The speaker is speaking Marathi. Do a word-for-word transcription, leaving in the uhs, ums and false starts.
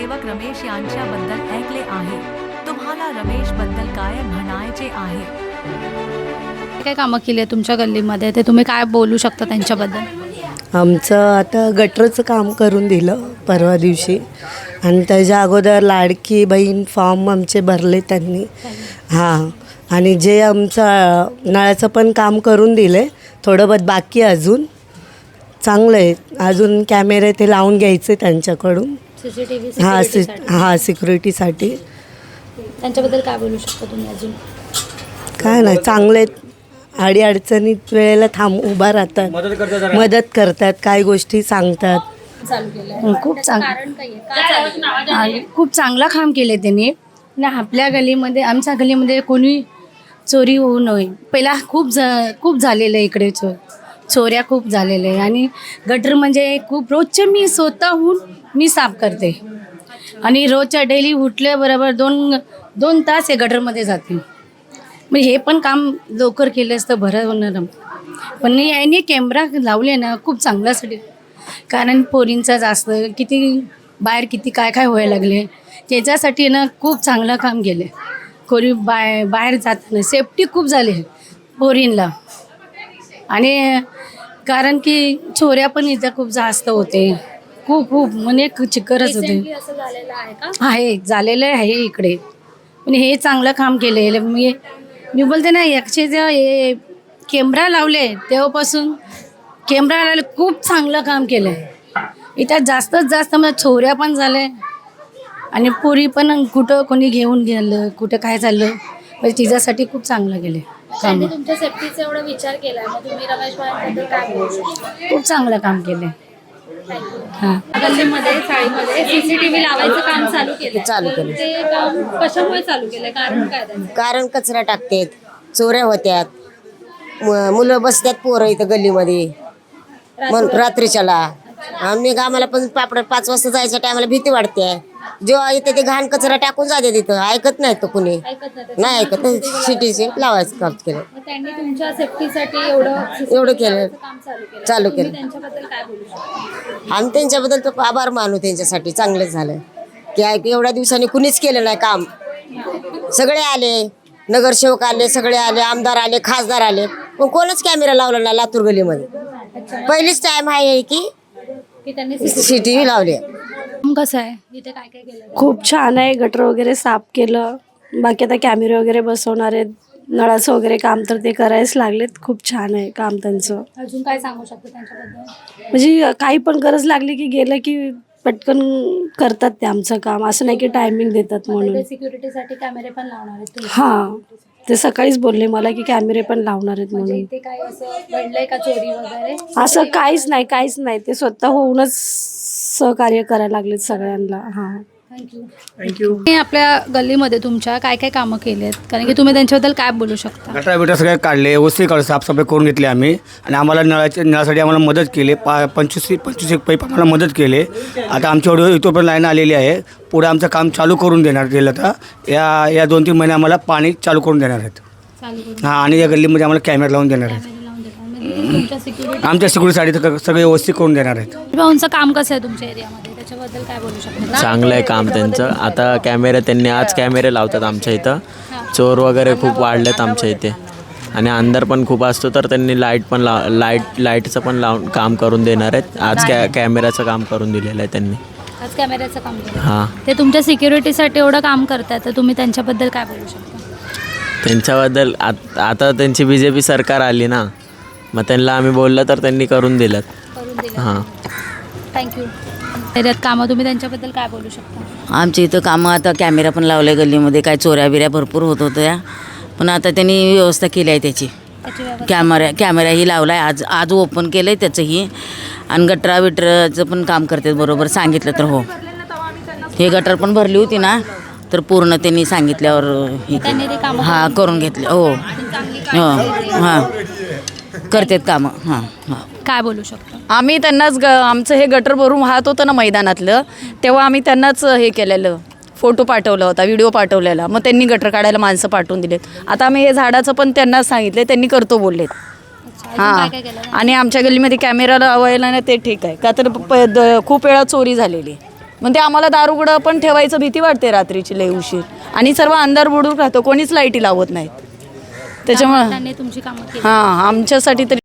नगरसेवक रमेश यांच्याबद्दल ऐकले आहे. तुम्हाला रमेश बद्दल काय म्हणायचे आहे? काय कामं केली आहे तुमच्या गल्लीमध्ये ते तुम्ही काय बोलू शकता त्यांच्याबद्दल? आमचं आता गटरचं काम करून दिलं परवा दिवशी आणि त्याच्या अगोदर लाडकी बहीण फॉर्म आमचे भरले त्यांनी. हां, आणि जे आमचं नळाचं पण काम करून दिले, थोडं बहुत बाकी अजून. चांगलं आहे. अजून कॅमेरे ते लावून घ्यायचे त्यांच्याकडून. सीसीटीव्ही हां सि हां सिक्युरिटीसाठी. त्यांच्याबद्दल काय बोलू शकता तुम्ही अजून? काय नाही, चांगले आहेत. अडी अडचणीत वेळेला थांब उभा राहतात, मदत करतात, काय गोष्टी सांगतात. खूप चांग खूप चांगला काम केले त्यांनी ना. आपल्या गलीमध्ये आमच्या गलीमध्ये कोणी चोरी होऊ नये. पहिला खूप ज खूप झालेलं आहे इकडे. चो चोऱ्या खूप झालेल्या आहे आणि गटर म्हणजे खूप रोजचे मी स्वतःहून मी साफ करते आणि रोजच्या डेली उठल्याबरोबर दोन दोन तास हे गटरमध्ये जाते. मग हे पण काम लवकर केलं असतं बरं होणार. पण याने कॅमेरा लावले ना खूप चांगल्यासाठी, कारण पोरींचा जास्त किती बाहेर किती काय काय व्हायला लागले त्याच्यासाठी ना खूप चांगलं काम केलं. कोणी बाय बाहेर जाताना सेफ्टी खूप झाली पोरींना. आणि कारण की चोऱ्या पण इथं खूप जास्त होते, खूप खूप म्हणजे चिकरच होते. आहे झालेलं आहे इकडे. पण हे चांगलं काम केलं. मी मी बोलते ना, एकशे जे हे कॅमेरा लावले तेव्हापासून कॅमेरा लावले खूप चांगलं काम केलं आहे. इथं जास्तच जास्त म्हणजे चोऱ्या पण झाले आणि पोरी पण कुठं कोणी घेऊन गेलं, कुठं काय चाललं, म्हणजे तिच्यासाठी खूप चांगलं केलं काम. तुमच्या सेफ्टीचा एवढा विचार केला, मग तुम्ही रमेश भाईंबद्दल काय बोलू शकता? खूप चांगलं काम केलं. हां, गल्लीमध्ये चाळीमध्ये सीसीटीव्ही लावायचं काम चालू केलं चालू केलं. ते काम कशामुळे चालू केलंय, कारण काय त्याचं? कारण कचरा टाकतात, चोऱ्या होत्यात, म- मुलं बसतात पोरं इथं गल्लीमध्ये मग रात्रीच्याला. आम्ही आम्हाला पण पापड पाच वाजता जायच्या टायमाला भीती वाटते. जेव्हा इथे ते घाण कचरा टाकून जाते तिथं ऐकत नाही तो कुणी, ऐकत नाही नाही ऐकत. सिटीचे लावायचं काम केलं, मग त्यांनी तुमच्या सेफ्टीसाठी एवढं एवढं केलं, काम चालू केलं चालू तुम्ही केलं. त्यांच्याबद्दल काय बोलू शकता? आम्ही त्यांच्याबद्दल तो आभार मानू. त्यांच्यासाठी चांगलंच झालं की ऐक एवढ्या दिवसांनी कुणीच केलं नाही काम. सगळे आले, नगरसेवक आले, सगळे आले, आमदार आले, खासदार आले, पण कोणच कॅमेरा लावला नाही लातूर गल्लीमध्ये. पहिलीच टाइम आहे की की त्यांनी सिटी लावली. कसं आहे इथे काय काय केलं? खूप छान आहे. गटर वगैरे साफ केलं. बाकी आता कॅमेरे वगैरे बसवणार आहेत. नळाचं वगैरे काम तर ते करायच लागलेत. खूप छान आहे काम त्यांचं. अजून काय सांगू शकतो त्यांच्याबद्दल? म्हणजे काही पण गरज लागली की गेलं की पटकन करतात ते आमचं काम. असं नाही की टायमिंग देतात म्हणून. सिक्युरिटीसाठी कॅमेरे पण लावणार आहेत तुम्ही? हां, ते सकाळीच बोलले मला की कॅमेरे पण लावणार आहेत म्हणजे म्हणून. इथे काय असं घडलंय का चोरी वगैरे? असं काहीच नाही, काहीच नाही. ते स्वतः होऊनच सहकार्य करायला लागलेत सगळ्यांना. हां, थँक्यू. तुम्ही आपल्या गल्लीमध्ये तुमच्या काय काय कामं केली आहेत, कारण की तुम्ही त्यांच्याबद्दल काय बोलू शकता? गटार बिटार सगळे काढले, ओसी काढ साफसफाई करून घेतली आम्ही. आणि आम्हाला नळाच्या नळासाठी आम्हाला मदत केली. पा पंचवीस पंचवीस एक पाईप आम्हाला मदत केली. आता आमच्या एवढं इथोपर्यंत लाईन आलेली आहे. पुढे आमचं काम चालू करून देणार गेलं तर या या दोन तीन महिने आम्हाला पाणी चालू करून देणार आहेत. हां, आणि या गल्लीमध्ये आम्हाला कॅमेरा लावून देणार आहेत. तुमच्या सिक्युरिटी आमच्या सिक्युरिटीसाठी सगळे व्यवस्थित करून देणार आहेत. भाऊंचं काम कसं आहे तुमच्या एरियामध्ये, त्याच्याबद्दल काय बोलू शकता? चांगलं आहे काम त्यांचं. आता कॅमेरे त्यांनी आज कॅमेरे लावतात आमच्या इथं. चोर वगैरे खूप वाढलेत आमच्या इथे आणि अंधार पण खूप असतो, तर त्यांनी लाईट पण लाव लाईट लाईटचं पण लावून काम करून देणार आहेत. आज कॅ कॅमेऱ्याचं काम करून दिलेलं आहे त्यांनी. आज कॅमेऱ्याचं काम केलं. हां, ते तुमच्या सिक्युरिटीसाठी एवढं काम करतात, तर तुम्ही त्यांच्याबद्दल काय बोलू शकता? त्यांच्याबद्दल आत आता त्यांची बी जे पी सरकार आली ना, मग त्यांना आम्ही बोललं तर त्यांनी करून दिलं. करून दिलं. हां, थँक्यू. एरियात कामं तुम्ही त्यांच्याबद्दल काय बोलू शकता? आमच्या इथं कामं आता कॅमेरा पण लावले गल्लीमध्ये. काय चोऱ्या बिऱ्या भरपूर होत होत्या, पण आता त्यांनी व्यवस्था केली आहे त्याची. त्याची व्यवस्था कॅमेरा कॅमेराही लावला आहे. आज आज ओपन केलं आहे त्याचंही. आणि गटरा बिटराचं पण काम करतात बरोबर सांगितलं तर. हो, हे गटर पण भरली होती ना, तर पूर्ण त्यांनी सांगितल्यावर हे त्यांनी ते केलं. कामं हां, करून घेतले. हो हो हां, करतात कामं. हां हां. काय बोलू शकता? आम्ही त्यांनाच ग आमचं हे गटर भरून वाहत होतं ना मैदानातलं, तेव्हा आम्ही त्यांनाच हे केलेलं, फोटो पाठवला होता, व्हिडिओ पाठवलेला. मग त्यांनी गटर काढायला माणसं पाठवून दिलेत. आता आम्ही हे झाडाचं पण त्यांना सांगितले, त्यांनी करतो बोललेत. हां, आणि आमच्या गल्लीमध्ये कॅमेरा लावायला ना ते ठीक आहे का, तर प द खूप वेळा चोरी झालेली. मग ते आम्हाला दारुगडं पण ठेवायचं भीती वाटते रात्रीची लय उशीर आणि सर्व अंधार बुडून राहतो कोणीच लाईटी लावत नाहीत त्याच्यामुळं त्यांनी तुमची कामं केली हां आमच्यासाठी तरी